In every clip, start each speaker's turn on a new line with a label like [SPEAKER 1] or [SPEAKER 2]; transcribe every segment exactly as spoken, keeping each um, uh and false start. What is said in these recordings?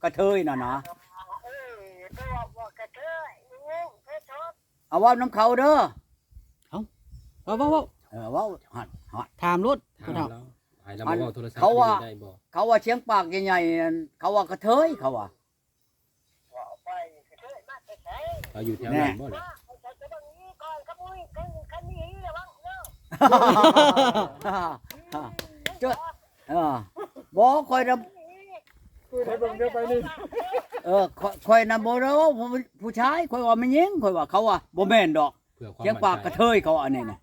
[SPEAKER 1] ระเทยน่ะนะเอาว่าน้ำเขาเด้อ
[SPEAKER 2] ว้าวว้าวว้าว
[SPEAKER 1] เออว่าหัดหัด
[SPEAKER 2] ถามรถ
[SPEAKER 3] ถาม
[SPEAKER 2] ผู้เฒ่า
[SPEAKER 3] เราให้เรามาเว้าโทรศัพท์
[SPEAKER 1] เขาว่า
[SPEAKER 3] ได้บ่
[SPEAKER 1] เขาว่าเชียงปากใหญ่ๆนั่นเขาว่ากระเทยเขาว่า
[SPEAKER 3] เราอยู่แถวนั้นบ่เนี่ย
[SPEAKER 1] เจ้าเออบ่คอยนำ
[SPEAKER 4] ไปเบิ่งเดี๋ยวไปนี่
[SPEAKER 1] เออคอยคอยนำบ่เด้อผู้ผู้ชายคอยว่ามันยิงคอยว่าเขาว่าบ่แม่นดอก
[SPEAKER 3] เพื่อความ
[SPEAKER 1] เชียงปากกระเทยเขาว่าอันนี้น่ะ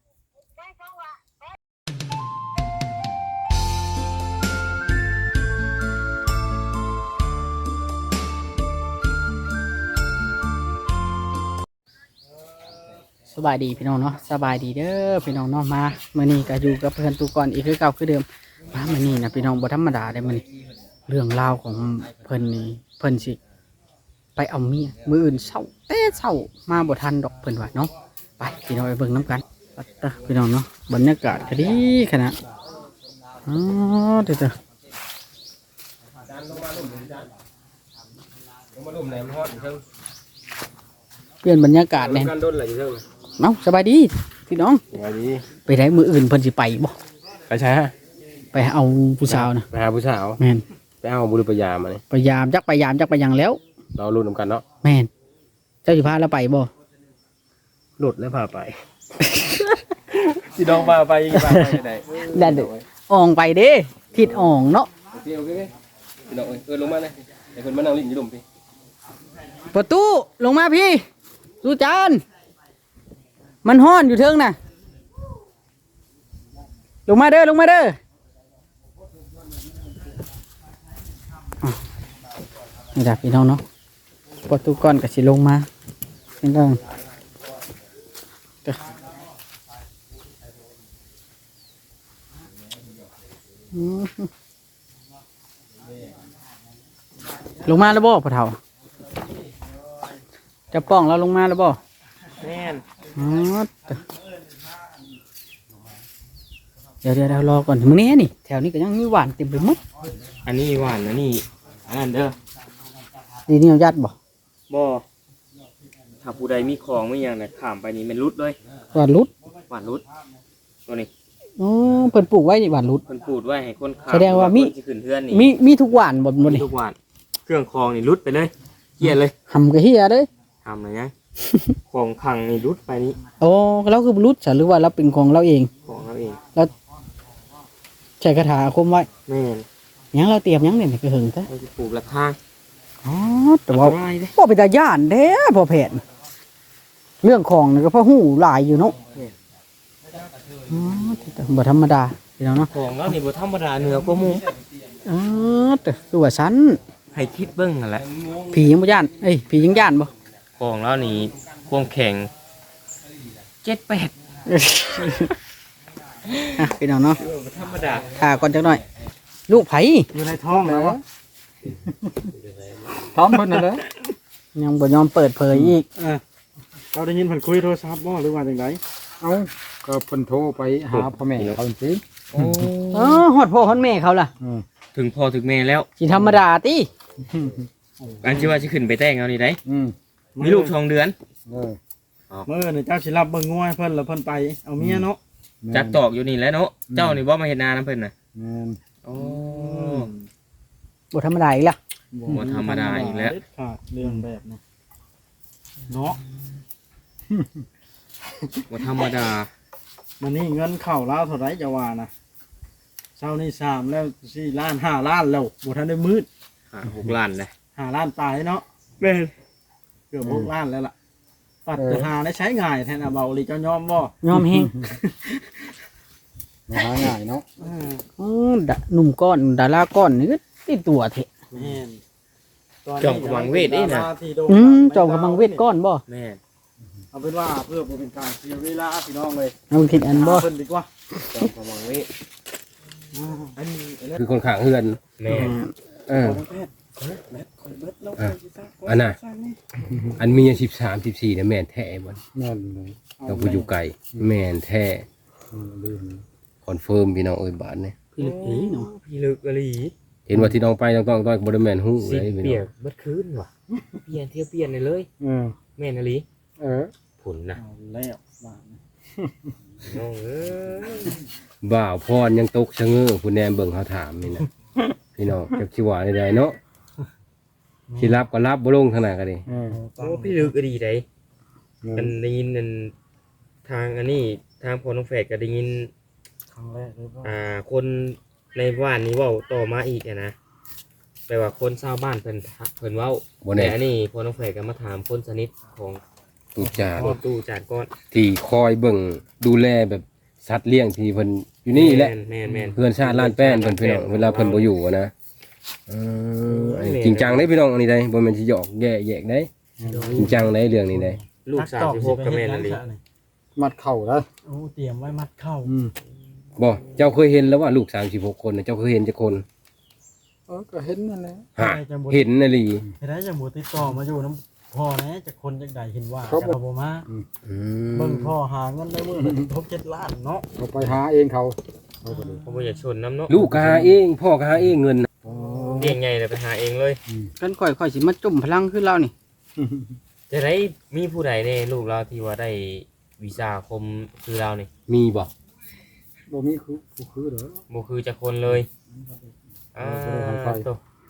[SPEAKER 2] สบายดีพี่น้องเนาะสบายดีเด้อพี่น้องเนาะมามื้อนี้ก็อยู่กับเพื่อนตูก่อนอีกคือเก่าคือเดิมมามื้อนี้นะพี่น้องบ่ธรรมดาเด้มื้อนี้เรื่องราวของเพิ่นนี่เพิ่นสิไปเอาเมียมื้ออื่นเช้าเต้เช้ามาบ่ทันดอกเพิ่นว่าเนาะไปพี่น้องไปเบิ่งนํกันปัดเด้อพี่น้องเนาะบรรยากาศก็ดีขนาดอ๋อเด้อ
[SPEAKER 3] จานลงมาลุ่มจานลงมาลุ่มไหนมันฮอดอยู่เทิง
[SPEAKER 2] เปลี่ยนบรรยากาศแน่
[SPEAKER 3] การดนอะไรอยู่เทิง
[SPEAKER 2] เนาะสบายดีพี่น้อง
[SPEAKER 3] สวัสดี
[SPEAKER 2] ไปได้มื้ออื่นเพิ่นสิไปบ่
[SPEAKER 3] ไปใช่ฮะ
[SPEAKER 2] ไปเอาผู้สาวนะ
[SPEAKER 3] ไปหาผู้สาว
[SPEAKER 2] แม่น
[SPEAKER 3] ไปเอาบุรุษปยามานี่
[SPEAKER 2] พยายามจักพยายามจักไปหยังแล้ว
[SPEAKER 3] เราลุ้นนำกันเนาะ
[SPEAKER 2] แม่นเจ้าสิพาเราไปบ่
[SPEAKER 3] หลุดแล้วพาไป สิน้องพาไปพาไปไหน
[SPEAKER 2] นั่นเด้ออ่องไปเด้ทิศอ่องเนาะ
[SPEAKER 3] โอเคโอเคพี่น้องเอ้ยเออลงมาเลยไอ้เพิ่นมานั่งลิ้นอยู่ลุ่มพี่
[SPEAKER 2] ประตูลงมาพี่สุจานมันฮ้อนอยู่เทิงน่ะลงมาเด้อลงมาเด้ออ่ะนี่จ้ะพี่น้องเนาะประตูก่อนก็สิลงมาเป็นเรื่องเด้ออืมลงมาแล้วบ่พ่อเฒ่าจะป้องเราลงมาแล้วบ่
[SPEAKER 3] แม่น
[SPEAKER 2] อ๋อเดี๋ยวเดี๋ยวเรารอก่อนมึงนี่นี่แถวนี้ก็ยังมีหวานเต็มไปหมด
[SPEAKER 3] อันนี้หวานนะนี่อันนั้นเด้อ
[SPEAKER 2] ดีนี่เอายัดบ่
[SPEAKER 3] บ่ถ้าผู้ใดมีของไม่อย่างน่ะข้ามไปนี่มันรุดเลย
[SPEAKER 2] หวานรุด
[SPEAKER 3] หวานรุดตัวนี้
[SPEAKER 2] อ๋อเพิ่นปลูกไว้นี่หวานรุด
[SPEAKER 3] เพิ่นพูดไว้ให้คนข้าม
[SPEAKER 2] แสดงว่ามี
[SPEAKER 3] คนสิขึ้นเฮือนนี่
[SPEAKER 2] มีมีทุกหวานบ่หมด
[SPEAKER 3] มี
[SPEAKER 2] นี่
[SPEAKER 3] ทุกหวานเครื่องคองนี่รุดไปเลยเกลียดเลย
[SPEAKER 2] หำกะเฮียเด้ย
[SPEAKER 3] ทำอะไรยัง ของขังนี่รุดไปนี่
[SPEAKER 2] โอ้เราคือรุดซะหรือว่าเราเป็นของเราเอง
[SPEAKER 3] ของเราเอง
[SPEAKER 2] ใช้คาถาอาคมไว้
[SPEAKER 3] แม่น
[SPEAKER 2] หยังเราเตรียมหยังเนี่ยคือหึงซะ
[SPEAKER 3] เราจะปลูกละทาง
[SPEAKER 2] อ๋อแต่ว่า
[SPEAKER 3] ง่ายเลย
[SPEAKER 2] บ่เป็นตาย่านแท้พอแผนเรื่องของนี่ก็พอฮู้หลายอยู่เนาะอ๋อแต่บ่ธรรมดาพี่น้องเนาะ
[SPEAKER 3] ของเรานี่บ่ธรรมดาเหนือกว่าหมู่
[SPEAKER 2] อ๋อแต่คือว่าซัน
[SPEAKER 3] ให้คิดเบิ่งนั่นแหละ
[SPEAKER 2] ผียังบ่ย่านเอ้ยผียังย่านบ่
[SPEAKER 3] ของเรานี่ความแข็งเจ็ดแปด
[SPEAKER 2] อ่ะพี่น้องเนาะ
[SPEAKER 3] บ่ธรรมดา
[SPEAKER 2] ข่าก่อนจักหน่อย ลูกไผ
[SPEAKER 4] อยู่ในท้องแล้ววะท้องเพิ่นน่ะเด้อ
[SPEAKER 2] ยังบ่ยอมเปิดเผยอีก
[SPEAKER 4] เออเราได้ยินเพิ่นคุยโทรศัพท์บ่หรือว่าจังไดเอ้าก็เพิ่นโทรไปหาพ่อแม่เขาจริง
[SPEAKER 3] โอ้
[SPEAKER 2] เออฮอดพ่อฮอดแม่เขาล่ะ
[SPEAKER 4] อืม
[SPEAKER 3] ถึงพ่อถึงแม่แล้ว
[SPEAKER 2] สิธรรมดาติ
[SPEAKER 3] อันที่ว่าสิขึ้นไปแต่งเอานี่ได้
[SPEAKER 4] อืม
[SPEAKER 3] มีลูกสองเดือน
[SPEAKER 4] เออมื้อนี่เจ้าสิรับเบิ่งงัวให้เพิ่นแล้วเพิ่นไปเอาเมียเนาะ
[SPEAKER 3] จักตอกอยู่นี่แหล้วเนาะเจ้านี่บ่มาเฮ็ดนานํเพิ่นน่ะ
[SPEAKER 4] แม่น
[SPEAKER 3] โอ้
[SPEAKER 2] บ่ธรรมดาอีกล่ะ
[SPEAKER 3] บ่ธรรมดาอีกแล้ว
[SPEAKER 4] เด็ดขาดเรื่องแบบนี้เนาะ
[SPEAKER 3] บ่ธรรมดา
[SPEAKER 4] มันนี่เงินเข้าลาวเท่าไหร่จะว่านะเช้านี่สามแล้วสี่ล้านห้าล้านแล้วบ่ทันได้มืด
[SPEAKER 3] ห้าหกล้านเลย
[SPEAKER 4] ห้าล้านตายเนาะ
[SPEAKER 3] แม่น
[SPEAKER 4] เกือบหกล้านแล้วล่ะปัดจะหาได้ใช้ง่ายแทนอาเบาหลีเจ้ายอมบ่
[SPEAKER 2] ยอมแฮง
[SPEAKER 4] หาง่ายเนาะ
[SPEAKER 2] อ๋อดะหนุ่มก้อนดาราก้อนนี่ก็ติดตัวเถอะ
[SPEAKER 4] แม่น
[SPEAKER 3] จอมกำลังเวทนี่นะ
[SPEAKER 2] อืมจอมกำลังเวทก้อนบ่
[SPEAKER 3] แม่น
[SPEAKER 4] เอาเป็นว่าเพื่อบ่เป็นการเสียเวลาพี่น้องเลย
[SPEAKER 2] เอาคิดอันบ่
[SPEAKER 4] เพิ่นดีกว่า
[SPEAKER 3] จอมกำลังเวท
[SPEAKER 4] อันนี้อันนี้
[SPEAKER 3] คือคนข้างเฮือนแม่นเออ
[SPEAKER 4] แพทย์แมทคอยเบิดแล้ว
[SPEAKER 3] อ่ะอันน่ะ อันมีสิบสามสิบสี่เนี่ยแม่นแท้บ่
[SPEAKER 4] แม่นเลย
[SPEAKER 3] เราผู้อยู่ไกลแม่นแท้คอนเฟิร์มพี่น้องเอ้ยบาทเนี่ย
[SPEAKER 2] พี่ลึกอีเนาะ
[SPEAKER 3] พี่ลึกอลี
[SPEAKER 4] เ
[SPEAKER 5] ห็นว่าที่น้องไปต้องต้องต้องบ่ได้แม่นฮู้
[SPEAKER 3] สิ
[SPEAKER 5] เลยพี่
[SPEAKER 3] เปี
[SPEAKER 5] น้
[SPEAKER 3] ย
[SPEAKER 5] อก ง
[SPEAKER 3] เบิดคืนว่ะเปลี่ยนเที่ยวเปลี่ยนเลยเลย
[SPEAKER 4] เออ
[SPEAKER 3] แม่นอีหลี
[SPEAKER 4] เออ
[SPEAKER 3] ผุนนะ
[SPEAKER 4] เอาแล้วบ้าน
[SPEAKER 3] น้องเอ้ย
[SPEAKER 5] บ่าวพรยังตกชะเง้อผู้แนมเบิ่งเฮาถามนี่นะพี่น้องจักสิว่าได้เนาะสิรับก็รับบ่ลงทางนั้นก็ดิ
[SPEAKER 4] เออ
[SPEAKER 3] โอ้พี่ลึกก็ดีได้กันได้ยินนั่นทางอันนี้ทางพอน้องแฝดก็ได้ยิน
[SPEAKER 4] ครั้งแรกเลยว่า
[SPEAKER 3] อ่าคนในบ้านนี้เว้าต่อมาอีกอะนะแปลว่าคนชาวบ้านเพิ่นเพิ่นเว้า
[SPEAKER 5] บ่
[SPEAKER 3] แต่
[SPEAKER 5] แน่
[SPEAKER 3] อันนี้พอน้องแฝดก็มาถามคนสนิทของ
[SPEAKER 5] ตูจาน
[SPEAKER 3] ของตู้จานก้อน
[SPEAKER 5] ที่คอยเบิ่งดูแลแบบสัตว์เลี้ยงที่เพิ่นอยู่นี่แหละ
[SPEAKER 3] แม่นแม่น
[SPEAKER 5] เพื่อนชาติล้านแป้นเพิ่นพี่น้องเวลาเพิ่นบ่อยู่อะนะเอออันนี้จริงจังเด้พี่น้องอันนี้ได้บ่แม่นสิหยอกแย่แยกได้จริงจังได้เรื่องนี้ได้
[SPEAKER 3] ลูกสามสิบหกก็แม่นอีหลี
[SPEAKER 4] มัดเข่าแล้ว
[SPEAKER 6] โอ้เตรียมไว้มัดเข้า
[SPEAKER 4] อืม
[SPEAKER 5] บ่เจ้าเคยเห็นแล้วว่าลูกสามสิบหกคนน่ะเจ้าเคยเห็นจักคน
[SPEAKER 4] เออก็เห็นนั่นแหละ
[SPEAKER 5] ฮะเห็นน่ะลี
[SPEAKER 6] เห็นได้จังบ่ติดต่อมาอยู่น้ำพ่อนะจากคนจากใดเห็นว่า
[SPEAKER 4] เขา
[SPEAKER 6] จาก
[SPEAKER 4] บอก
[SPEAKER 6] บ่มา
[SPEAKER 5] อืม
[SPEAKER 6] เบิ่งพ่อหาเงินได้มื้อละครบเจ็ดล้านเนาะ
[SPEAKER 4] เขาไปหาเองเขาเขาก็เลย
[SPEAKER 3] ผมบ่อยากชนน้ำเนาะ
[SPEAKER 5] ลูกก็หาเองพ่อก็หาเองเงินน่ะ
[SPEAKER 4] อ๋อ
[SPEAKER 3] เลี้ยงไงเลยไปหาเองเลย
[SPEAKER 2] กันค่อยค่อยสิมาจุ่มพลังขึ้นเรานี่
[SPEAKER 3] จะได้มีผู้ใดในลูกเราที่ว่าได้วีซ่าคมคือเรานี่
[SPEAKER 5] มีบ่
[SPEAKER 4] บ่มีคือผู้คือเหรอ
[SPEAKER 3] บ่คือจะคนเลยอ่า
[SPEAKER 4] บ่ได้ทำไป
[SPEAKER 3] โต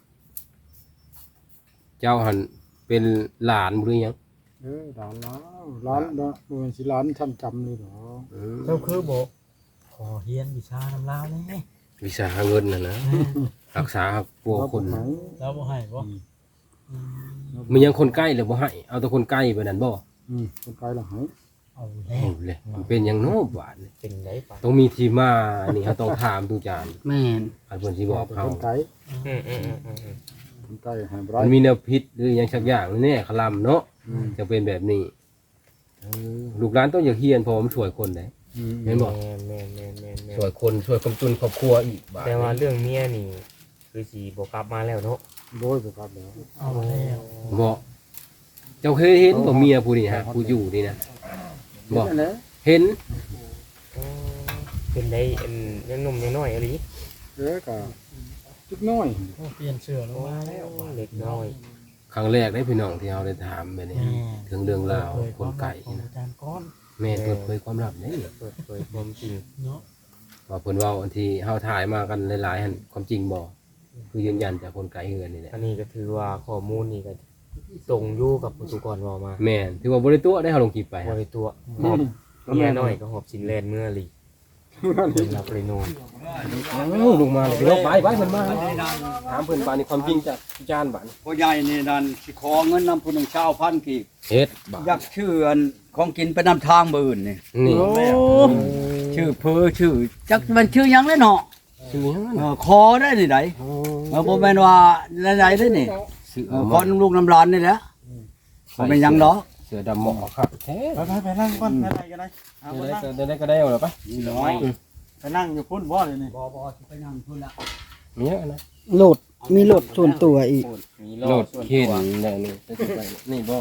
[SPEAKER 5] เจ้าหันเป็นหลานบ่หรือยัง
[SPEAKER 4] เออร้านแล้วร้านบ่บ่เป็นสิร้านท่านจำเลยเหรอ
[SPEAKER 5] อืม
[SPEAKER 6] เจ้าคือบ่ขอเฮียนวิชาน้ำลาวนี่
[SPEAKER 5] วิสาหาเงินน่ะนะรักษาปัวคน
[SPEAKER 4] ไหน
[SPEAKER 6] แล้วบ่ให้บ่
[SPEAKER 5] มันยังคนใกล้เลยบ่ให้เอาแต่คนใกล้ไปนั่นบ่
[SPEAKER 4] อืมคนไกลละหาย
[SPEAKER 6] เอาแล้
[SPEAKER 5] เอา
[SPEAKER 6] ว
[SPEAKER 5] เลยมันเป็นหยังโน้บาดนี่
[SPEAKER 3] เป็นไดปะ
[SPEAKER 5] ต้องมีที่มานี่เขาต้องถามทุกจาน
[SPEAKER 2] แม่น
[SPEAKER 5] อันเพิ่นสิบอกเขา
[SPEAKER 4] คนไกล
[SPEAKER 3] อืมอืมอืมอืมอืม
[SPEAKER 4] คนไกลหายบ่
[SPEAKER 5] มั
[SPEAKER 4] ได้
[SPEAKER 5] นมีแนวพิษหรือหยังสักอย่างแน่คลำเนาะ
[SPEAKER 4] อืม
[SPEAKER 5] จะเป็นแบบนี้เออลูกหลานต้องอย่าเฮียนเพอมันช่วยคนได้
[SPEAKER 4] อืม
[SPEAKER 5] แม่นบ่
[SPEAKER 3] แม่นแม่นแม่นแม่นแม่น
[SPEAKER 5] ช่วยคนช่วยกำจุนครอบครัวอีกบาด
[SPEAKER 3] แต่ว่าเรื่องเมียนี่คือสิบ่กลับมาแล้วเนาะ
[SPEAKER 4] โดยบ่ครับแล้ว
[SPEAKER 6] เอาแล้ว
[SPEAKER 5] บ่เจ้าเคยเห็นบ่เมียผู้นี่ฮะผู้อยู่นี่นะบ่
[SPEAKER 4] นั่นแหละ
[SPEAKER 5] เห็น
[SPEAKER 3] อ๋อเป็นได้อันยังหนุ่มยังน้อยอะไร
[SPEAKER 4] เออก็จุดน้อย
[SPEAKER 6] โอ้เปลี่ยนเสื้อลงมาแล้ว
[SPEAKER 3] เล็กน้อย
[SPEAKER 5] ครั้งแรกได้พี่น้องที่เราได้ถามแบบนี้
[SPEAKER 6] แม่
[SPEAKER 5] ถึงเรื่องราว
[SPEAKER 6] เปิด
[SPEAKER 5] คนไก่
[SPEAKER 6] ของ
[SPEAKER 5] นะ
[SPEAKER 6] อาจารย์ก้อน
[SPEAKER 5] แม่เปิดเผยความลับนี่
[SPEAKER 3] เปิดเผยความจริง
[SPEAKER 6] เนาะ
[SPEAKER 5] ว่าเพิ่นเว้าอันที่เฮาถ่ายมากันหลายๆหั่นความจริงบ่คือยืนยันจากคนไกลเฮือนนี่แหละ
[SPEAKER 3] อันนี้ก็ถือว่าข้อมูลนี่ก็ตรงอยู่กับผู้ตุกรเว้ามา
[SPEAKER 5] แม่นถือว่าบ่ได้ตัวได้เฮาลงคลิปไป
[SPEAKER 3] บ่
[SPEAKER 5] ฮะ
[SPEAKER 3] ได้ตัวหอบเมียน้อยก็หอบสินแลนเมื่อหลีเพิ่นรับเลยโนน
[SPEAKER 5] เอ้าลงมาเลยพี่น้องไปไปเพิ่นมาถามเพิ่นปานนี้ความจริงจากอาจารย์บาดนี้
[SPEAKER 1] พ่อใหญ่นี่นั่นสิขอเงินนำผู้หนึ่งชาวพันกีบ
[SPEAKER 5] เฮ็ดบาด
[SPEAKER 1] อยากชื่ออันของกินไปนำทางมื้ออื่นนี่
[SPEAKER 5] นี่
[SPEAKER 1] ชื่อเพอชื่อจักมันชื่อหยังเลยเนาะ
[SPEAKER 5] ชื่อหยัง
[SPEAKER 1] เอ
[SPEAKER 5] นั่น
[SPEAKER 1] อคอได้นี่ไดเออบ่แม่นว่าหลายๆเด้อนี่เออคอน้ำลูกน้ำหลานนี่แหละบ่แม่นหยังดอก
[SPEAKER 5] เสือดำหมอกครับแท้
[SPEAKER 4] ไปไปไปนั่งก่อนอะไรก็ได้เอาไป
[SPEAKER 5] ได้
[SPEAKER 4] นั่ง
[SPEAKER 5] ก็ได้ก็ได้เอาล่ะไป
[SPEAKER 1] นี่น้อย
[SPEAKER 4] ไปนั่งอยู่พุ่นบ่เลยนี่
[SPEAKER 1] บ่บ่สิไปนั่งพุ่นละ
[SPEAKER 5] มีหยังนะ
[SPEAKER 2] โหลดมีโหลดส่วนตัวอีก
[SPEAKER 3] มี
[SPEAKER 5] โหลดเข็นแล้วนี่นี่บ่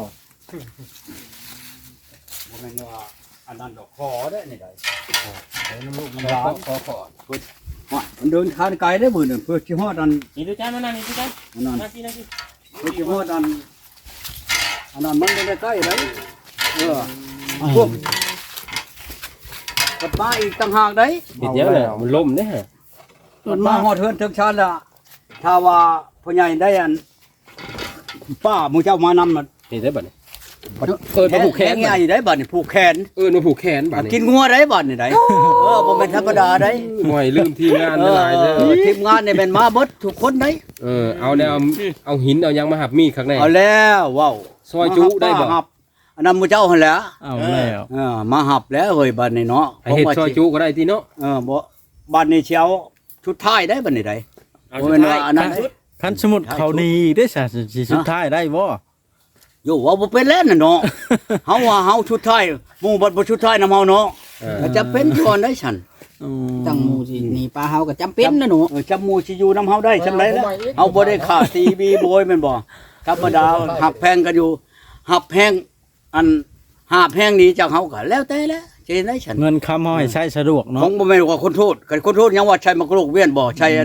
[SPEAKER 1] บ่แม่นว่าอันนั้นดอกคอได้นี่ไดเออน้ำลูก
[SPEAKER 5] ข
[SPEAKER 1] น้ำหลา
[SPEAKER 5] อน ขอขอ
[SPEAKER 1] ว่ามันเดินทางไกลได้อมื้อนึงเพื่อสิฮอดอัน
[SPEAKER 3] นี่ดูจ้ามานั่งนี่ดูจ้า
[SPEAKER 1] อันนั้น
[SPEAKER 3] มาสินะสิ
[SPEAKER 1] เพื่อสิฮอดอันอันนั้นมันไม่ได้ใกล้เลยเออพวกกับมาอีกต่างหากได้
[SPEAKER 5] เฮ็ดหยังน่ะมันล่มเด้ฮะ
[SPEAKER 1] มันมาฮอดเฮือนถึงชานละถ้าว่าพ่อใหญ่ได้อันป้าหมู่เจ้ามานำมัน
[SPEAKER 5] เฮ็ดได้บัดนี้เอิ้นมาผูกแขน
[SPEAKER 1] ใหญ่ได้บัดนี่ผูกแขน
[SPEAKER 5] เอิ้นมาผูกแขนบัดนี้
[SPEAKER 1] กินงัวได้บัดนี่ได้เออบ่แม่นธรรมดาได้
[SPEAKER 5] ห่วยลืมทีมงานหลายเด้
[SPEAKER 1] เอ
[SPEAKER 5] อ
[SPEAKER 1] อทีมงานนี่แม่นมาเบิดทุกคนได้
[SPEAKER 5] เออเอาแนวเอาหินเอาหยังมาหับมีดข้างใน
[SPEAKER 1] เอาแล้วว้าว
[SPEAKER 5] ซอยจุได้บ่
[SPEAKER 1] มาหับอันนั้นหมู่เจ้าหั่นแหละ
[SPEAKER 6] เอาแล้ว
[SPEAKER 1] เออมาหับแล้วเฮ้ยบัดนี้เนาะ
[SPEAKER 5] ให้เฮ็ดซอยจุก็ได้ติเนาะ
[SPEAKER 1] เออบ่บัดนี้เชียวชุดท้ายได้บัดนี้ได้
[SPEAKER 3] เอา
[SPEAKER 1] บ่
[SPEAKER 3] สุ
[SPEAKER 1] แม่
[SPEAKER 3] ด
[SPEAKER 1] น
[SPEAKER 3] ท้า
[SPEAKER 1] ว่าย อันนั้นได้
[SPEAKER 6] คันสมุดเขาดีได้ซะสิสุดท้ายได้บ่
[SPEAKER 1] โยว่าบ่เป็นแล้วน่ะเนาะ เฮาว่าเฮาชุดท้ายหมู่บัดบ่ชุดท้ายนำเฮาเนาะ
[SPEAKER 5] เออ
[SPEAKER 1] ก็จะเป็นก่อนได้ฉัน
[SPEAKER 2] ตั้งหมู่สิหนีปลาเฮาก็จำเป็นนะหนู
[SPEAKER 1] เออจำหมู่สิอยู่นำเฮาได้จำได้แล้วเฮาบ่ได้ฆ่าตีบีโบยแม่นบ่ธรรมดาหักแพงกันอยู่หักแพงอันหาแพงนี้จากเฮาก็แล้วแต่แล้วสิเฮ็ดได้ฉัน
[SPEAKER 6] เงินคำเฮาให้ใช้สะดวก
[SPEAKER 1] ข
[SPEAKER 6] เนาะ
[SPEAKER 1] องบ่แม่นว่าคนโทษกันคนโทษยังว่าใช้มากรูกเวียนบ่ใช้อัน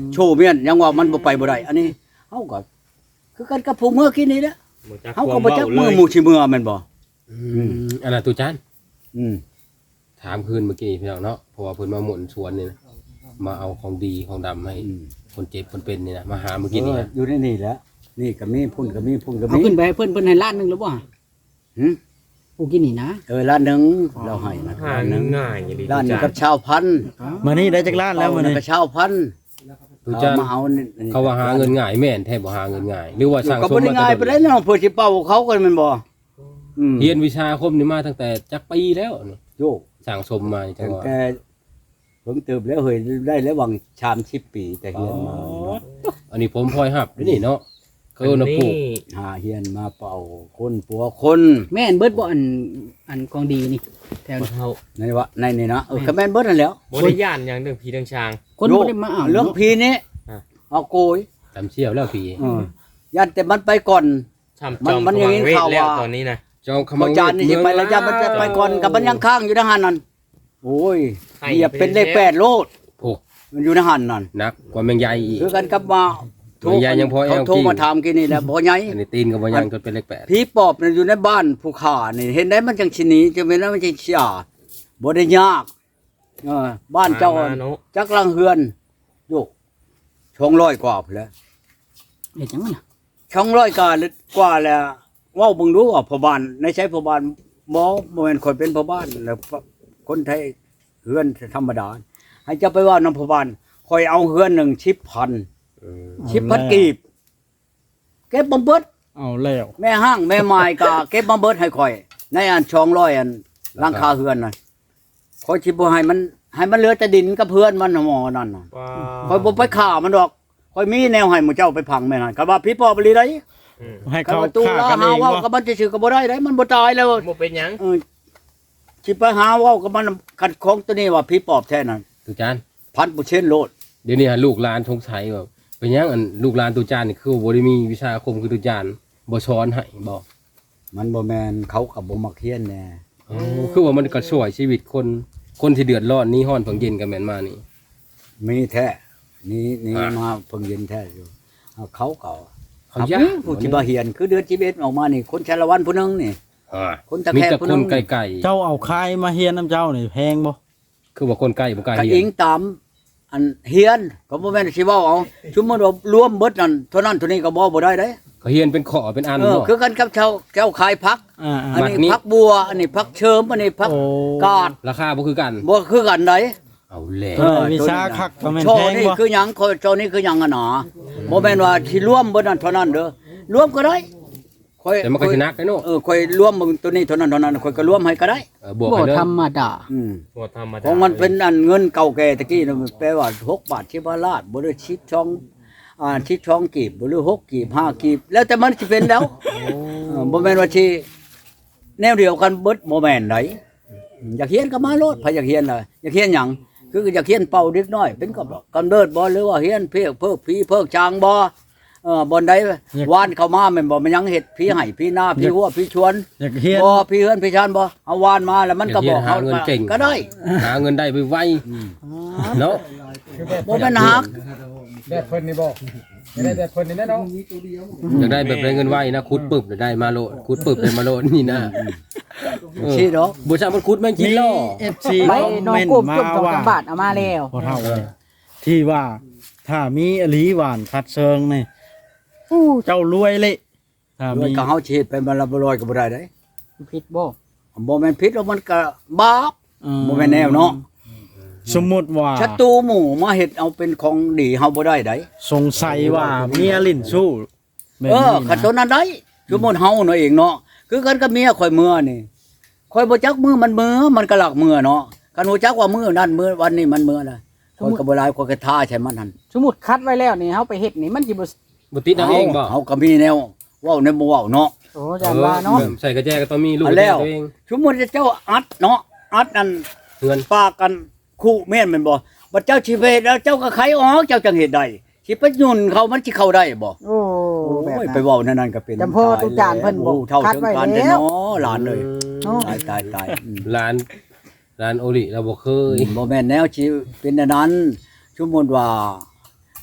[SPEAKER 1] โชว์เมียนยังว่ามันบ่ไปบ่ได้อันนี้เฮาก็คือกันกับผู้เมื่อกี้นี้แหละ
[SPEAKER 3] บ่จัก
[SPEAKER 1] เฮา
[SPEAKER 3] ค
[SPEAKER 1] ก็
[SPEAKER 3] วาม
[SPEAKER 1] บ่
[SPEAKER 3] เว้า
[SPEAKER 1] จัก
[SPEAKER 3] เล
[SPEAKER 1] มือย หมู่สิเมื่อแม่นบ่
[SPEAKER 5] อืมอันน่ะตุจาน
[SPEAKER 1] อืม
[SPEAKER 5] ถามคืนเมื่อกี้พี่น้องเนาะเพราะว่าเพิ่นมาหมุนสวนนี่นะมาเอาของดีของดำให้
[SPEAKER 1] อืม
[SPEAKER 5] คนเจ็บคนเป็นนี่นะมาหาเมื่อกี้นี่
[SPEAKER 1] เออ
[SPEAKER 5] นะ
[SPEAKER 1] อยู่ในนี่แหละนี่ก็มีพุ่นก็มีพุ่นก็
[SPEAKER 2] เอา
[SPEAKER 1] มี
[SPEAKER 2] ขึ้นไปให้เพิ่นเพิ่นให้ล้านหนึงหรือบ่
[SPEAKER 1] หึ
[SPEAKER 2] ผู้กินนี่นะ
[SPEAKER 1] เออล้านหนึงเราให้นะ
[SPEAKER 3] หา
[SPEAKER 1] ล้านหนึง
[SPEAKER 3] ง่ายๆอย่างนี้
[SPEAKER 1] ล้านหนึง
[SPEAKER 3] จ้ะ
[SPEAKER 1] กับชาวพันธุ์
[SPEAKER 4] มานี่ได้จักล้านแล้วมื้อนี้
[SPEAKER 1] กับชาวพันธุ์
[SPEAKER 5] ตุจาน
[SPEAKER 1] เอามาเอานี่
[SPEAKER 5] เขาว่าหาเงินง่ายแม่นแท้บ่หาเงินง่ายหรือว่าสั่ง
[SPEAKER 1] ก็
[SPEAKER 5] สม
[SPEAKER 1] บ่ได้
[SPEAKER 5] มา
[SPEAKER 1] ง่ายไป
[SPEAKER 5] แต่
[SPEAKER 1] ได้น้องเพิ่นสิเป่าเขากันแม่นบ่อืม
[SPEAKER 5] เรียนวิชาอาคมนี่มาตั้งแต่จักปีแล้วนี่
[SPEAKER 1] โยก
[SPEAKER 5] สั่งสมมาจั
[SPEAKER 1] ตั้
[SPEAKER 5] ง
[SPEAKER 1] ง
[SPEAKER 5] ว่า
[SPEAKER 1] แต่เพิ่งเติบแล้วเฮ้ยได้แล้ววังชามสิบปีแต่เฮียนมา
[SPEAKER 5] อันนี้ผมพลอยหับด้วยนี่เนาะเขาเอานะปลูก
[SPEAKER 1] หาเฮียนมาเป่าคนปัวคน
[SPEAKER 2] แม่นเบิดบ่อันอันของดีนี่แถว
[SPEAKER 3] บ่
[SPEAKER 2] นี้
[SPEAKER 3] เฮา
[SPEAKER 1] ในวะในนี่นะเออก็แม่นเบิดนั่นแหล้ว
[SPEAKER 3] บ่ได้ย่านหยังเรื่องผีเรื่องช้าง
[SPEAKER 2] คนบ่ได้มาเอา
[SPEAKER 1] เรื่อง
[SPEAKER 2] เนาะ
[SPEAKER 1] พีนี้
[SPEAKER 3] อ่ะ
[SPEAKER 1] เอาโกย
[SPEAKER 5] ตำเชี่ยวแล้วพี่
[SPEAKER 1] เออยันแต่มันไปก่อน
[SPEAKER 3] ช่ำ
[SPEAKER 1] มัน
[SPEAKER 3] จอม
[SPEAKER 1] มันอย่างนี้
[SPEAKER 3] ขมัเวท
[SPEAKER 1] ข่าว
[SPEAKER 3] แล้ว
[SPEAKER 1] ว่า
[SPEAKER 3] ตอนนี้นะ
[SPEAKER 5] จองข
[SPEAKER 1] พ
[SPEAKER 5] มั
[SPEAKER 1] อง จานนี่สิไปแล้วยันมันจะไปก่อนกับมันยังค้างอยู่ในหันนั่นโอ้ยเหยียบเป็นเลขแปดโลด
[SPEAKER 5] โอ้
[SPEAKER 1] มันอยู่ในหันนั่น
[SPEAKER 5] หนักกว่าแมงใหญ่อีก
[SPEAKER 1] คือกันกับมาโทร
[SPEAKER 5] มันยังยังพอแอล
[SPEAKER 1] เขาโทร
[SPEAKER 5] กิ้ง
[SPEAKER 1] มาถามกินนี่แหละบ่ใหญ่
[SPEAKER 5] อันนี้ตีนกับบ่ยังจนเป็นเลขแปด
[SPEAKER 1] ผีปอบน่ะอยู่ในบ้านผู้ขานี่เห็นได้มันจังสิหนีจะเป็นแล้วมันจังสิอ่าบ่ได้ยากเออบ้านเจ้า
[SPEAKER 3] มาเนาะ
[SPEAKER 1] จักลังเฮือนโยกช่องร้อยกว่าพุ่นแหล้ว
[SPEAKER 2] เฮ็ดจังมันน่ะ
[SPEAKER 1] ช่องร้อยกว่าหรือกว่าแล้วเว้าเบิ่งดูว่าพ่อบ้านในใช้พ่อบ้านบ่บ่แม่นคนเป็นพ่อบ้านแล้วคนไทยเฮือนธรรมดาให้เจ้าไปว่านำพ่อบ้านคอยเอาเฮือนหนึ่งสิบพัน
[SPEAKER 5] อืม
[SPEAKER 1] สิบพันกีบเก็บบ่เบิด
[SPEAKER 4] เอาแล้ว
[SPEAKER 1] แม่ห้างแม่ไม้ก็เก็บมาเบิดให้ข่อย ในอันช่องร้อยอันหลังคาเฮือนน่ะข่อยสิบ่ให้มันให้มันเหลือแต่ดินกับเพื่อนมันน่ะหมอนั่นน่ะ
[SPEAKER 3] ว้า
[SPEAKER 1] ข่อยบ่ไปฆ่ามันดอกข่อยมีแนวให้หมู่เจ้าไปพังแม่นั่นก็ว่าพี่ปอบอีหลีได้
[SPEAKER 3] อืม
[SPEAKER 4] ให้
[SPEAKER 1] ก็
[SPEAKER 4] เขา
[SPEAKER 1] ว่าตู้
[SPEAKER 4] ฆ่า
[SPEAKER 1] ลา
[SPEAKER 4] กัน
[SPEAKER 1] หา
[SPEAKER 4] เอง
[SPEAKER 1] เว้า
[SPEAKER 4] บ่
[SPEAKER 1] กับมันซื่อๆก็บ่ได้ได้มันบ่ตายแล้ว
[SPEAKER 3] บ่เป็นหยัง
[SPEAKER 1] เออสิไปหาเว้ากับมันขัดของตัวนี้ว่าพี่ปอบแท้นั่น
[SPEAKER 5] ตุจาน
[SPEAKER 1] พันเปอร์เซ็นต์โลด
[SPEAKER 5] เดี๋ยวนี้ฮะลูกหลานสงสัยว่าเป็นหยังอันลูกหลานตุจานนี่คือบ่ได้มีวิชาอาคมคือตุจานบ่สอนให้บ่
[SPEAKER 1] มันบ่แม่นเขาก็บ่มักเรียนแน่
[SPEAKER 5] อ๋อคือว่ามันก็ช่วยชีวิตคนคนที่เดือดร้อนหนี้ฮ้อนเพิ่งเย็นก็แม่นมานี่
[SPEAKER 1] มีแท้นี่นี่
[SPEAKER 5] อ่ะ
[SPEAKER 1] มาเพิ่งเย็นแท้อยู่เอาเขาเก่า
[SPEAKER 5] เขา
[SPEAKER 1] ครับ
[SPEAKER 5] ยาก
[SPEAKER 1] ผู้ที่บาเฮียนคือเดือนชีวิตออกมานี่คนชาละวันผู้หนึงนี่
[SPEAKER 5] อ่า
[SPEAKER 1] คนตะ
[SPEAKER 5] มี
[SPEAKER 1] แคง
[SPEAKER 5] แต่
[SPEAKER 1] ผู้
[SPEAKER 5] ค
[SPEAKER 1] หนึ
[SPEAKER 5] น
[SPEAKER 1] ง
[SPEAKER 5] ไกล
[SPEAKER 4] เจ้าเอาคายมาเฮียนน้ำเจ้านี่แพงบ่
[SPEAKER 5] ๆคือว่าคนใกล้บ่กล้า
[SPEAKER 1] ก็
[SPEAKER 5] เรีย
[SPEAKER 1] อิ
[SPEAKER 5] น
[SPEAKER 1] งตามอันเฮียนก็บ่แม่นสิเว้าเอาชุมมติว่ารวมเบิดนั่นเท่านั้นเท่านี้ก็บ่บ่ได้เด้
[SPEAKER 5] เขาเฮียนเป็นขอเป็นอัน
[SPEAKER 1] เออ
[SPEAKER 5] เนาะ
[SPEAKER 1] คือกันกับชาวเจ้าขายผัก
[SPEAKER 4] อ่า
[SPEAKER 1] อัน
[SPEAKER 5] ผัก
[SPEAKER 1] นี้
[SPEAKER 5] นี้
[SPEAKER 1] ผักบัว อันนี้ผักเชิมอันนี้ผัก
[SPEAKER 4] โอ้
[SPEAKER 1] กาด
[SPEAKER 5] ราคาบ่คือกัน
[SPEAKER 1] บ่คือกันได
[SPEAKER 5] เอาแหละ
[SPEAKER 4] เออวิชาคักก็แม่น
[SPEAKER 1] โช
[SPEAKER 4] แพ
[SPEAKER 1] ว์
[SPEAKER 4] ง
[SPEAKER 1] นี่
[SPEAKER 4] บ่
[SPEAKER 1] คือหยังโชว์นี่คือหยังอะหนอบ่แม่นว่าสิรวมเบิดนั่นเท่านั้นเด้อรวมก็ได้ค่อย
[SPEAKER 5] แต่มันก็สินักไอ้เนาะ
[SPEAKER 1] เออค่อยรวมมึงตัวนี้เท่านั้นเท่านั้นค่อยก็รวมให้ก็ได้
[SPEAKER 5] เออบวก
[SPEAKER 2] บ่
[SPEAKER 5] ไปเลย
[SPEAKER 2] ธรรมดา
[SPEAKER 1] อืม
[SPEAKER 3] บ่ธรรมดา
[SPEAKER 1] ของมันเป็นอันเงินเก่าแก่ตะกี้นะมันแปลว่าหกบาทสิบาทบ่ได้ชิบช่องอ่าชิบช่องกีบบ่หรือหกกีบห้ากีบแล้วแต่มันสิเป็นแล้วเออบ่แม่นว่าสิแนวเดียวกันเบิดบ่แม่นไดอยากเฮียนก็มาโลดพะอยากเฮียนล่ะอยากเฮียนหยังคืออยากเฮียนเป่าเด็กน้อย เป็นกับกำเนิดบ่หรือว่าเฮียนเพิกเพิกผีเพิกจางบ่เออบ่ใดวานเข้ามาแม่นบ่มันยังเฮ็ดผีให้ผีหน้าผีหัวผีชวน
[SPEAKER 4] อยากเฮียน
[SPEAKER 1] บ่ผีเฮือนผีชานบ่เอาวานมาแล้วมันก็บอก
[SPEAKER 5] หาเงินเก่ง
[SPEAKER 1] ก็ได้
[SPEAKER 5] หาเงินได้ไวๆเนาะ
[SPEAKER 1] บ่แม่นฮัก
[SPEAKER 6] แบบเพิ่นนี่บ่ได้แบบเพิ่นนี่แน่เนาะ
[SPEAKER 5] อยากได้แบบได้เงินไวนะคุดปึบเดี๋ยวได้มาโลดคุดปึบได้มาโลดนี่นะเออ
[SPEAKER 1] สิดอก
[SPEAKER 5] บ่ใช่มันคุดแม่งกิน
[SPEAKER 4] มี
[SPEAKER 5] ล่อ
[SPEAKER 4] เอฟซี
[SPEAKER 2] ไป
[SPEAKER 4] คอม
[SPEAKER 2] น้อง
[SPEAKER 4] เมน
[SPEAKER 2] ก
[SPEAKER 4] ต์
[SPEAKER 2] บ
[SPEAKER 4] มา
[SPEAKER 2] จบสอง
[SPEAKER 4] ว่า
[SPEAKER 2] สามบาทเอามาแล้ว
[SPEAKER 4] พอเท่าเลยที่ว่าถ้ามีอลีหวานคัดเชิงนี่อู้เจ้ารวยเลยถ้า
[SPEAKER 1] ด้ว
[SPEAKER 4] มี
[SPEAKER 1] ยก็เฮาสิเฮ็ดไปมันละบ่ร้อยก็บ่ได้เด้
[SPEAKER 2] ผิดบ่
[SPEAKER 1] บ่แม่นผิดแล้วมันก็บาป
[SPEAKER 4] อื
[SPEAKER 1] บ่แม่นแนวเนาะ
[SPEAKER 4] สมมุติว่า
[SPEAKER 1] ศัตรูหมู่มาเฮ็ดเอาเป็นของดีเฮาบ่ได้ได
[SPEAKER 4] สงสัยว่าเมียลิ้นสู้แบบ
[SPEAKER 1] เออ
[SPEAKER 4] นี้
[SPEAKER 1] คัน
[SPEAKER 4] นะ
[SPEAKER 1] ตัวนั้นได้สมมุติเฮาเนาะเองเนาะคือกันกับเมียข่อยเมื่อนี่ข่อยบ่จักมือมันเมื่อมันก็หลักมือเนาะคันฮู้จักว่ามือนั้นมือวันนี้มันเมื่อนะข่อยก็บ่หลายข่อยก็ท่าใช่มันหั่น
[SPEAKER 2] สมมุติคัดไว้แล้วนี่เฮาไปเฮ็ดนี่มันสิบ่
[SPEAKER 5] บ่ติดเอาเองบ่
[SPEAKER 1] เฮาก็มีแนวเว้าในบ่เว้าเนาะ
[SPEAKER 2] โอ้จันว่าเนาะ
[SPEAKER 5] ออใส่กระแจก็ต้องมีลูก
[SPEAKER 1] เอา
[SPEAKER 5] กระ
[SPEAKER 1] แล้
[SPEAKER 5] แจ
[SPEAKER 1] ว
[SPEAKER 5] ตัวเอง
[SPEAKER 1] สมมุติเจ้าอัดเนาะอัดนั่น
[SPEAKER 5] เงิน
[SPEAKER 1] ปากกันคู่แม่นแม่นบ่บัดเจ้าสิไปเฮ็ดแล้วเจ้าก็ไขออกเจ้าจังเฮ็ดได้สิไปยุ่นเขามันสิเข้าได้บ่
[SPEAKER 2] โอ้แบบ
[SPEAKER 1] โอ้ย
[SPEAKER 2] นั้น
[SPEAKER 1] ไปเว้านั่นนั่นก็เป็น
[SPEAKER 2] จำพ่อตุจานเพิ่นบอก
[SPEAKER 1] โอ้เท่า
[SPEAKER 2] คัด
[SPEAKER 1] ถึง
[SPEAKER 2] ไว้
[SPEAKER 1] การ
[SPEAKER 2] แล้ว
[SPEAKER 1] เด้อเนาะหลานเลย
[SPEAKER 2] เนาะ
[SPEAKER 1] ตายตายตายอืม
[SPEAKER 5] ร้านร้านโอริเราบ่เคย
[SPEAKER 1] บ่แม่นแนวสิเป็นอันนั้นสมมุติว่า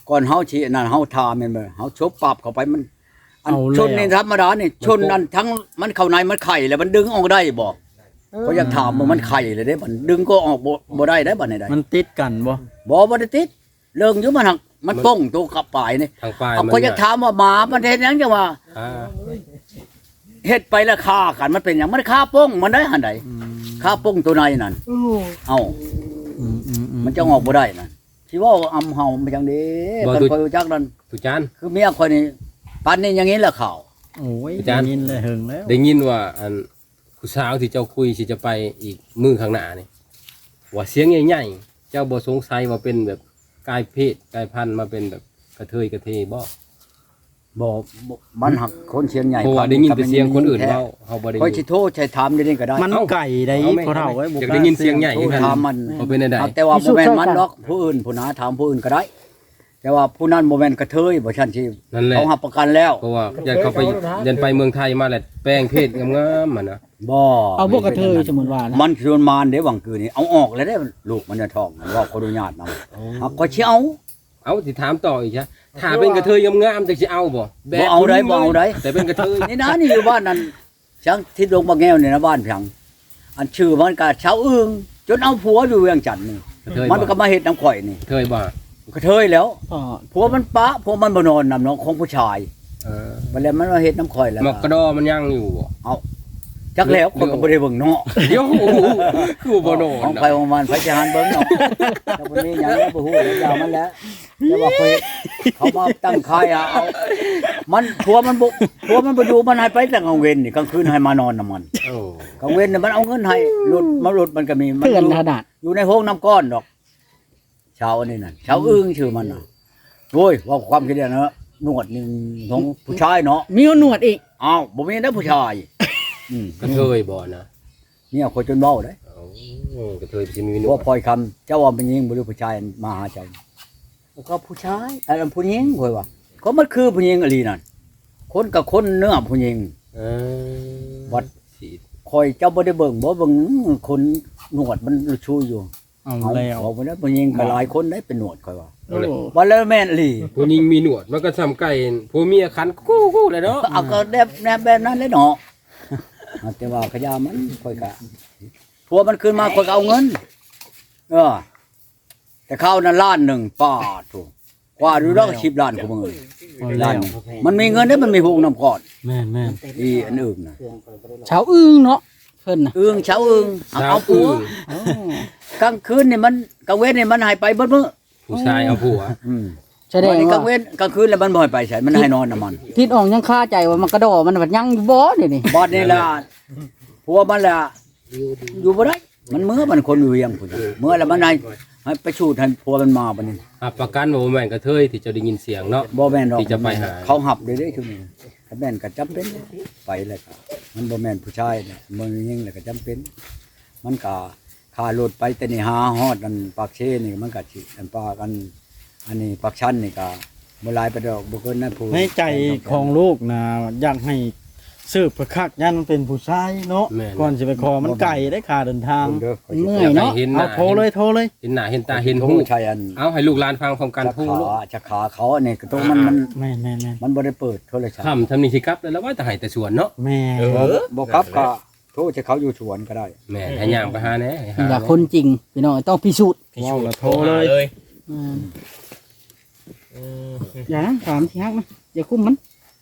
[SPEAKER 1] ก่อนเฮาสินั่นเฮาทาแม่นบ่เฮาชบปรับเข้าไปมันอัน
[SPEAKER 4] เอาแล้ว
[SPEAKER 1] ชนนี่ธรรมดานี่ชนอันทั้งมันเข้าในมันไข่แล้วมันดึงออกได้บ่ก็อยากถามว่ามันไข่เลยเด้มันดึงก็ออกบ่บ่ได้ได้บัดนี้ได้
[SPEAKER 4] มันติดกันบ่
[SPEAKER 1] บ่บ่ได้ติดเรื่องอยู่มันหักมันป้องตัวกับปลายนี่
[SPEAKER 5] ทางปลาย
[SPEAKER 1] เอา
[SPEAKER 5] มัน
[SPEAKER 1] ก็อยากถามว่าหมามันเฮ็ดหยังจังว่า
[SPEAKER 5] อ่า
[SPEAKER 1] เฮ็ดไปแล้วฆ่ากันมันเป็นหยังมันฆ่าป้องมันได้หั่นใดฆ่าป้องตัวในนั่นเอ้า
[SPEAKER 4] อืมอืมอืม
[SPEAKER 1] มันจะออกบ่ได้นั่นสิว่าอำเฮามันจังได๋มันคอยรู้จักนั่น
[SPEAKER 5] ตุจาน
[SPEAKER 1] คือเมียคอยนี่ปานนี้อย่างนี้แหละข่าว
[SPEAKER 4] โอ้ย
[SPEAKER 5] อาจารย์
[SPEAKER 4] ได้ยินเลยหึงแล้ว
[SPEAKER 5] ได้ยินว่าอันผู้สาวที่เจ้าคุยสิจะไปอีกมือข้างหน้านี่ว่าเสียงใหญ่ๆเจ้าบ่สงสัยว่าเป็นแบบกายเพศกายพันธุ์มาเป็นแบบกระเทยกระเทบ่
[SPEAKER 1] บ่บ่มันหักคนเชียงใหญ่
[SPEAKER 5] เพราะว่าได้ยินแต่เสียงคนอื่นเว้าเฮาบ่ได้
[SPEAKER 1] คอย
[SPEAKER 5] ยิ
[SPEAKER 1] สิ
[SPEAKER 5] น
[SPEAKER 1] โทรใช้ถามอยู่นี่ก็ได้
[SPEAKER 4] มันไก่ได้
[SPEAKER 5] เอาไหม
[SPEAKER 4] พอเท่าไว้บ่
[SPEAKER 5] อยากได้ยินเสียงใหญ่
[SPEAKER 1] โทรถามมัน
[SPEAKER 5] เขาเป็นได้
[SPEAKER 1] แต่ว่าบ่แม่นมันดอกผู้อื่นผู้นาถามผู้อื่นก็ได้ แต่ว่าผู้นั้นบ่แม่นกระเทยบ่ชันสิ
[SPEAKER 5] นั่นแหละ
[SPEAKER 1] เขารับประกันแล้ว
[SPEAKER 5] เพราะว่ายันเขาไปยันไปเมืองไทยมาแล้วแปลงเพศงามๆมันนะ
[SPEAKER 1] บ่
[SPEAKER 2] เอาพวกกระเทยสมมุติว่านะ
[SPEAKER 1] มันชวนมารเด้วังคืนนี้เอาออกแล้วได้ลูกมันจะท้องมันว่าขออนุญาตนำเอาก็สิเอา
[SPEAKER 5] เอาสิถามต่ออีกใช่ถ้าเป็นกระเทยงามๆจังสิเอาบ่
[SPEAKER 1] บ่เอาได้บ่เอาได้
[SPEAKER 5] แต่เป็นกระเทย
[SPEAKER 1] นี่นะนี่อยู่บ้านนั้นช่างที่ลงบางแก้วนี่นะบ้านเพียงอันชื่อมันก็ชาวอึ้งจนเอาผัวอยู่เวียงจันทน์นี่
[SPEAKER 5] กระเทย
[SPEAKER 1] มัน
[SPEAKER 5] บ่
[SPEAKER 1] ก็มาเฮ็ดน้ำข่อยนี่
[SPEAKER 5] กระเทยบ่
[SPEAKER 1] กระเทยแล้ว
[SPEAKER 2] พ่อ
[SPEAKER 1] ผัวมันปะผัวมันบ่นอนนำน้องของผู้ชาย
[SPEAKER 5] เออ
[SPEAKER 1] บัดแล้วมันมาเฮ็ดน้ำข่อยแล้ว
[SPEAKER 5] หมอกกระดอมันยังอยู่บ่
[SPEAKER 1] จักแล้วคนก็บ่ได้เบิ่งเนาะ
[SPEAKER 5] เดี๋ยวคือบ่โดน
[SPEAKER 1] ของไปของมันไปจะหันเบิ่งเนาะแต่บ่มีหยังแล้วบ่ฮู้แล้วยาวมันแล้วแต่ว่าเขาเฮ็ดเขามาตั้งค่ายอะเอามันผัวมันบ่ผัวมันบ่อยู่มันให้ไปแต่กลางเว้นนี่กลางคืนให้มานอนนำมัน
[SPEAKER 5] โอ้
[SPEAKER 1] กลางเว้นน่ะมันเอาเงินให้รถมารถมันก็มีมั
[SPEAKER 2] เพื่อน
[SPEAKER 1] ยู่
[SPEAKER 2] ขนาด
[SPEAKER 1] อยู่ในห้องน้ำก้อนดอกชาวอันนี้นั่นชาวอึ้งชื่อมันน่ะโอ้ยว่าความคิดเนี่ยนะหนวดนี่ของผู้ชายเนาะ
[SPEAKER 2] มีหนวดอีก
[SPEAKER 1] อ้าวบ่มีนะผู้ชายอืม
[SPEAKER 5] กระเทยบ่นะ
[SPEAKER 1] เนี่ยคนจนเว้าเด้
[SPEAKER 5] โอ้กระเทยสิมีหนว
[SPEAKER 1] ว่า
[SPEAKER 5] ด
[SPEAKER 1] พลอยคำเจ้าว่าเป็นหญิงบ่หรือผู้ชายมาหาเจ้าก็ผู้ชายอันนั้นผู้หญิงข่อยว่าก็มันคือผู้หญิงอหลีนั่นคนกับคนเนื้อผู้หญิง
[SPEAKER 5] เออ
[SPEAKER 1] วัด
[SPEAKER 5] สี
[SPEAKER 1] ข่อยเจ้าบ่ได้เบิ่งบ่เบิ่งคนหนวดมันชูอยู่
[SPEAKER 4] เอา
[SPEAKER 1] เอา
[SPEAKER 4] แล้ว
[SPEAKER 1] เอาบ่ได้ผู้หญิงก็หลายคนได้เป็นหนวดข่อยว่า
[SPEAKER 2] โอ้
[SPEAKER 1] ว่าแล้วแม่นอหลี
[SPEAKER 5] ผู้หญิงมีหนวดมันก็ซ้ำไก่ผู้เมียคันกู้ๆเลยเนาะ
[SPEAKER 1] เอาก็แนบแนบแบบนั้นเลยเนาะ แต่ว่าขยามันค่อยกะผัวมันขึ้นมาค่อยก็เอาเงิน เออ แต่เข้านั้นล้านหนึ่งป้าถูกกว่าดูแล้วก็สิบล้านกูมึง
[SPEAKER 4] เอา
[SPEAKER 1] ล้า
[SPEAKER 4] แล้
[SPEAKER 1] น
[SPEAKER 4] ว
[SPEAKER 1] มันมีเงินได้มันมีหูน้ำก่อน
[SPEAKER 4] แม่นแม่น
[SPEAKER 1] อีอันอื่นน่ะ
[SPEAKER 2] ชาวอึ้งเนาะเพิ่นน่ะ
[SPEAKER 1] อึ้งเช้าอึ้งเอา
[SPEAKER 5] สาว
[SPEAKER 1] เอาผัว
[SPEAKER 2] โอ้
[SPEAKER 1] กลางคืนนี่มันกลางเว้นนี่มันให้ไปเบิดมื้อ
[SPEAKER 5] ผู้ชายเอาผัว
[SPEAKER 1] อืม
[SPEAKER 2] แสดง
[SPEAKER 1] วันนี้ก
[SPEAKER 2] ว่า
[SPEAKER 1] ลางเว้นกลางคืนแล้วมันบ่ให้ไปใส่มันให้นอนน่ะมัน
[SPEAKER 2] ทิดออกยังคาใจว่ามันกระโดดมันบัดยังอยู่บ่เดี๋ยวนี้
[SPEAKER 1] บอดนี่ล่ะผัวมันล่ะอยู่บ่ได้มันเมื่อมันคนอยู่เวียงพุ่นน่ะเมื่อแล้วมันให้ให้ไปชูดให้ผัวมันมาบัดนี้
[SPEAKER 5] หับประกันว่าบ่แม่นกระเทยที่เจะได้ยินเสียงเนาะ
[SPEAKER 1] บ่แม่นดอก
[SPEAKER 5] ที่จะไปหา
[SPEAKER 1] เขาหับได้เด้ทุกนี้ถ้าแม่นก็จำเป็นไปแล้วก็มันบ่แม่นผู้ชายเนี่ยมันยิงแล้วก็จำเป็น มันก็ค่ารถไปแต่นี่หาฮอดอันปากเชนี่มันก็สิอันปากอันอันนี้ปากชันนี่ก็บ่หลายไปดอกบ่เกินนั้นผู้
[SPEAKER 4] ในใจของลูกนะอยากให้สืบประคักยันมันเป็นผู้ชายเนาะ
[SPEAKER 5] แม่น
[SPEAKER 4] ก่อนจะไปขอมันไก่ได้ค่าเดินทาง
[SPEAKER 1] เด้อ
[SPEAKER 2] เมื่อ
[SPEAKER 5] อย ยากให้
[SPEAKER 2] เนาะ
[SPEAKER 5] เห็นห
[SPEAKER 4] เอา
[SPEAKER 5] น้า
[SPEAKER 4] โทรเลยโทรเลย
[SPEAKER 5] เห็นหน้าเห็นตาเห็น
[SPEAKER 1] หู
[SPEAKER 5] หู
[SPEAKER 1] ใช่อัน
[SPEAKER 5] เอาให้ลูกหลานฟังพร้อมกัน
[SPEAKER 1] จะ
[SPEAKER 5] พู
[SPEAKER 1] ขา
[SPEAKER 5] ลูก
[SPEAKER 1] จะขาเขาอันนี้ก็ตรงมันมัน
[SPEAKER 4] แม่นแม่นแม่น
[SPEAKER 1] มันบ่ได้เปิดโทรศัพท์
[SPEAKER 5] คำทำนี่สิครับแล้วว่าแต่ให้แต่สวนเนาะ
[SPEAKER 4] แม่
[SPEAKER 5] เออ
[SPEAKER 1] บ่ครับก็โทรจะเขาอยู่สวนก็ได้
[SPEAKER 5] แม่ให้ย่างไปหาแหน่ให้หา
[SPEAKER 2] อยากคนจริงพี่น้องต้องพิสูจน์
[SPEAKER 4] ว้าวแล้วโทรเลย
[SPEAKER 2] อืม
[SPEAKER 3] อืม
[SPEAKER 2] อย่านะถามสิฮักนะอย่าคุ้มมัน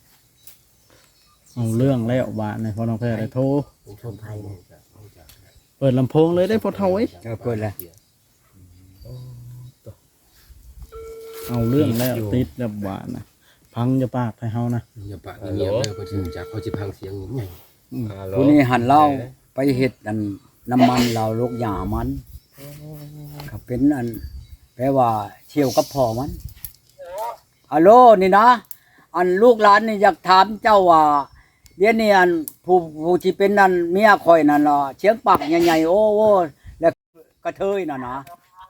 [SPEAKER 4] เอาเรื่องแล้วบาทในพอน้องแพรได้โทรเปิดลำโพงเลยได้พอเท่าไว้
[SPEAKER 1] เออเปิดแล้ว
[SPEAKER 4] เอาเรื่องแล้วติดแล้วบาทนะพังจะปากให้เฮานะ
[SPEAKER 5] อย่าปากเงียบๆเลยเขาสิรู้จักเขาสิพังเสียงใหญ่
[SPEAKER 3] ฮัลโหล
[SPEAKER 1] ผู้นี้หันเหล้าไปเฮ็ดอันน้ำมันเราลูกหญ้ามันก็เป็นอันแปลว่าเชี่ยวกับพ่อมันฮัลโหลนี่นะ อันลูกหลานนี่อยากถามเจ้าว่าเดี๋ยวนี้อันผู้ผู้ที่เป็นนั่นเมียข่อยนั่นล่ะเชียงปากใหญ่ๆโอ้โอ้แล้วกระเทยน่ะนะ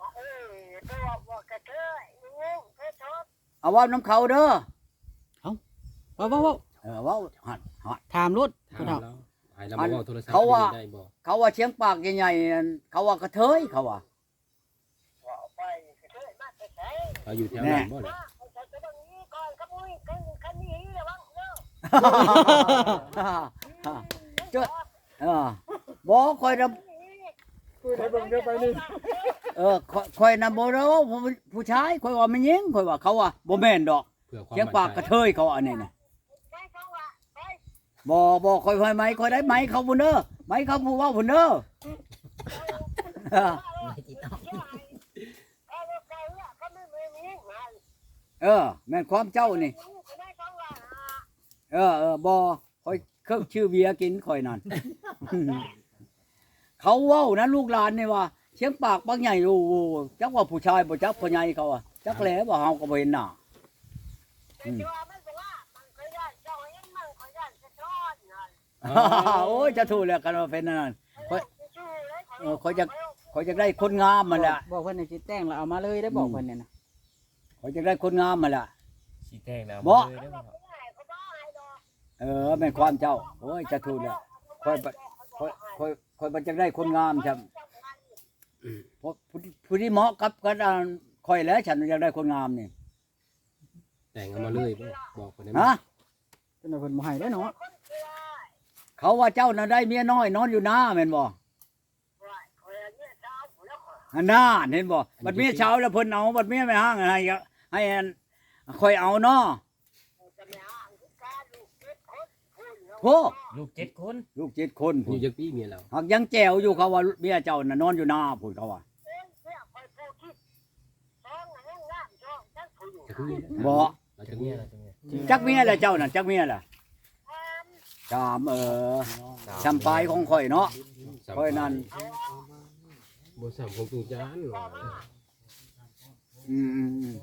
[SPEAKER 1] เอาเว่าน้ำเขาเด้อ
[SPEAKER 2] ว้าวว้าวว้าว
[SPEAKER 1] เออเว่าหัดหัด
[SPEAKER 2] ถามรถ
[SPEAKER 5] ๆ
[SPEAKER 2] ผู้
[SPEAKER 5] ถาม
[SPEAKER 2] เฒ่า
[SPEAKER 5] แล้วให้เรามาเว้าโทรศัพท์
[SPEAKER 1] เขาว่า
[SPEAKER 5] ได้บ่
[SPEAKER 1] เขาว่าเชียงปากใหญ่ๆนั่นเขาว่ากระเทยเขาว่า
[SPEAKER 5] เขาอยู่แถวนั้นบ่ล่ะ
[SPEAKER 1] เจ้าเออบ่ค่อยนำ
[SPEAKER 4] ไปเบิ่งเด้อไปนี่
[SPEAKER 1] เออค่อยค่อยนำบ่ได้ว่าผู้ผู้ชายค่อยว่ามันยิงค่อยว่าเขาว่าบ่แม่นดอก
[SPEAKER 5] เพื่อความ
[SPEAKER 1] เสียงปากกระเทยเขาอันนี้น่ะบ่บ่ค่อยไฟไหมค่อยได้ไหมเขาพุ่นเด้อไหมเขาผู้เว้าพุ่นเด้อ เออแม่นความเจ้านี่ เออเออบ่ค่อยเครื่องชื่อเบียร์กินค่อยนั่น เขาเว้านะลูกหลานนี่ว่าเสียงปากบางใหญ่โอ้โหจักว่าผู้ชายบ่จักผู้ใหญ่เขาอ่ะจักแหลบ่เฮาก็บ่เห็นหน้าอืม โอ้ยจะถูกแล้วกันว่าเป็นนั่นค่อยเออค่อยจะค่อยจะได้คนงามมาแหละ
[SPEAKER 2] บอกเพิ่นให้สิแต่งแล้วเอามาเลยได้บอกเพิ่นเนี่ยนะ
[SPEAKER 1] ค่อยจะได้คนงามมาแหละ
[SPEAKER 3] สีแดงแล้ว
[SPEAKER 1] บ่
[SPEAKER 3] เลยได้บ่ครับ
[SPEAKER 1] เออแม่นความเจ้าโอ้ยจะถูกแล้วค่อยบ่ค่อยค่อยค่อยบ่จะได้คนงามครับเพราะผู้ที่ผู้ที่เหมาะกับกันอ่าค่อยแล้วฉันอยากได้คนงามนี่
[SPEAKER 5] แต่งเอามาเลยบ่บอกคนได้ไหม
[SPEAKER 1] ฮะ
[SPEAKER 2] เพิ่นว่าเพิ่นบ่ให้ได้อเนาะ
[SPEAKER 1] เขาว่าเจ้าน่ะได้เมียน้อยนอนอยู่หน้าแม่นบ่อันน่าเห็นบ่บัดเมียเช้าแล้วเพิ่นเอาบัดเมียไม่ห้างให้ให้อันค่อยเอาเนาะโห
[SPEAKER 3] ลูกเจ็ดคน
[SPEAKER 1] ลูกเจ็ดคน
[SPEAKER 5] อ
[SPEAKER 1] พุ่น
[SPEAKER 5] ยู่จักปีเมียเรา
[SPEAKER 1] หักยังแจวอยู่เขาว่าเมียเจ้าน่ะนอนอยู่หน้าพุ่นเขาว่า
[SPEAKER 5] จักเมีย
[SPEAKER 1] บ่
[SPEAKER 5] เราจักเมีย
[SPEAKER 1] จักเมียแหละเจ้าน่ะจักเมียแหละสามเออชำปลายของข่อยเนาะข่อยนั่น
[SPEAKER 5] บ่สามของตุงจานว่า
[SPEAKER 1] อืมอืมอืม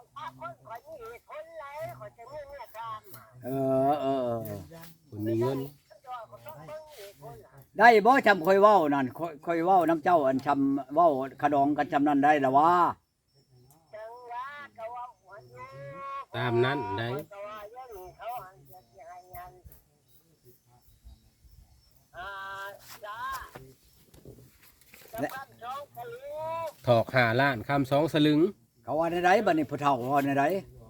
[SPEAKER 1] เออเออเออ
[SPEAKER 5] คนมีเงิน
[SPEAKER 1] ได้บ่จำข่อยเว้านั่นข่อยข่อยเว้าน้ำเจ้าอันชำเว้าขะดองกันจำนั้นได้ละว่า
[SPEAKER 5] ตามนั้นได้
[SPEAKER 1] และ
[SPEAKER 5] ถอกห้าล้านคำสองสลึง
[SPEAKER 1] เขาว่าในใดบัดนี้ผู้เฒ่าว่าในใด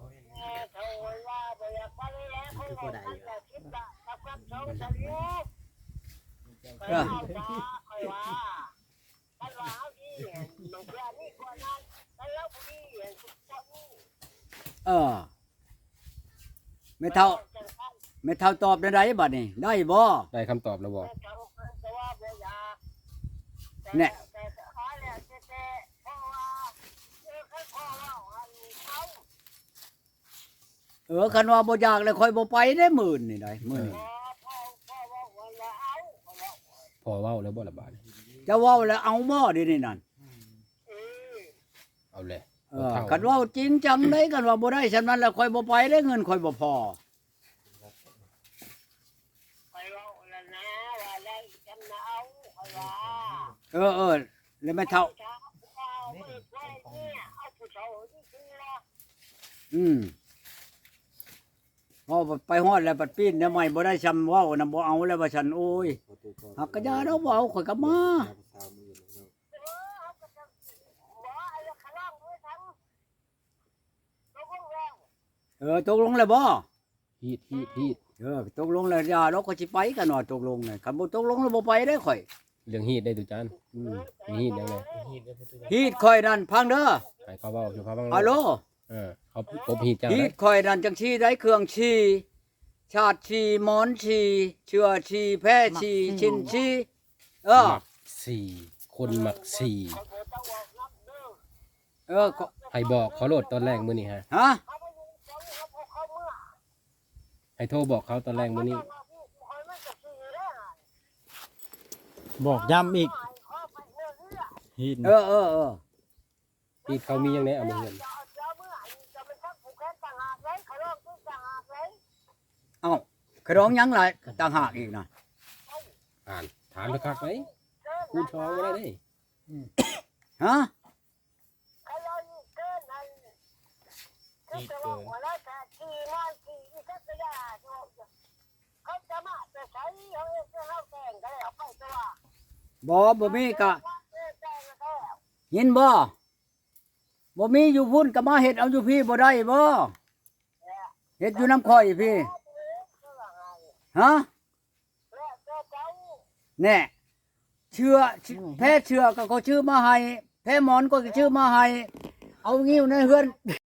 [SPEAKER 1] เออเออไม่เท่าไม่เท่าตอบในใดบัดนี้ได้บ่
[SPEAKER 5] ได้คำตอบแล้วบอก
[SPEAKER 1] เนี่ย เออคันว่าบ่อยากเลยค่อยบ่ไปได้หมื่นนี่ได้มื้อนี้
[SPEAKER 5] พอเว้าแล้วบ่ละบาด
[SPEAKER 1] จะเว้าแล้วเอาบ่เดี๋ยวนี้นั่น
[SPEAKER 5] เอาเลย
[SPEAKER 1] เออคันเว้าจริงจังได้คันว่าบ่ได้ฉะนั้นแล้วค่อยบ่ไปได้เงินค่อยบ่พอเออเออแล้วไม่เท่าอืมพอไปฮอดแล้วปัดปีนเนี่ยไม่บ่ได้ชำเว้านํบ่เอาแล้วว่าฉันโอ้ยหักกระยาเราบ่เอาข่อยก็มาเออตกลงแล้วบ่
[SPEAKER 5] ฮีดฮีดฮีด
[SPEAKER 1] เออตกลงแล้วอย่าเราก็สิไปกันว่าตกลงน่ะคันบ่ตกลงแล้วบ่ไปได้ข่อย
[SPEAKER 5] เรื่องฮีดได้ตุจาน
[SPEAKER 1] อืม
[SPEAKER 5] มีฮีดยังไง
[SPEAKER 3] ฮีดได้ประตู
[SPEAKER 1] ฮีดข่อยนั่นพังเด้อ
[SPEAKER 5] ให้เขาเว้าอยู่เขาบ้าง
[SPEAKER 1] ฮัลโหล
[SPEAKER 5] เออเขาปบฮีดเจ้า
[SPEAKER 1] ฮี
[SPEAKER 5] ได้
[SPEAKER 1] ดข่อยนั่นจังชี้ได้เครื่องชี้ชาติชี้หมอนชี้เชื่อชี้แพ้ชี้ชินชี้เออ
[SPEAKER 5] มักสี่คนมักสี่
[SPEAKER 1] เออก็
[SPEAKER 5] ให้บอกเขาโหลดตอนแรกมื้อนี้ฮะ
[SPEAKER 1] ฮะ
[SPEAKER 5] ให้โทรบอกเขาตอนแรกมื้อนี้
[SPEAKER 6] บอกย้ำอีกหิน
[SPEAKER 1] เออเออเออ
[SPEAKER 5] ฮีดเขามียังไงเอามาเงิน
[SPEAKER 1] เอ้าขร้องหยังหลายต่างหากอีกนะ
[SPEAKER 5] อ่านถามสักคักไหมคูณทองบ่ได้เด้
[SPEAKER 1] ฮะ
[SPEAKER 3] ฮีดเกิน
[SPEAKER 1] บ่บ่มีกะยินบ่บ่มีอยู่พุ่นก็มาเฮ็ดเอาอยู่พี่บ่ได้บ่เฮ็ดอยู่น้ำข่อยพี่ฮะแน่เชื่อแพ้เชื่อก็เขาชื่อมาให้แพ้หมอนก็ชื่อมาให้เอางี้ในเฮือน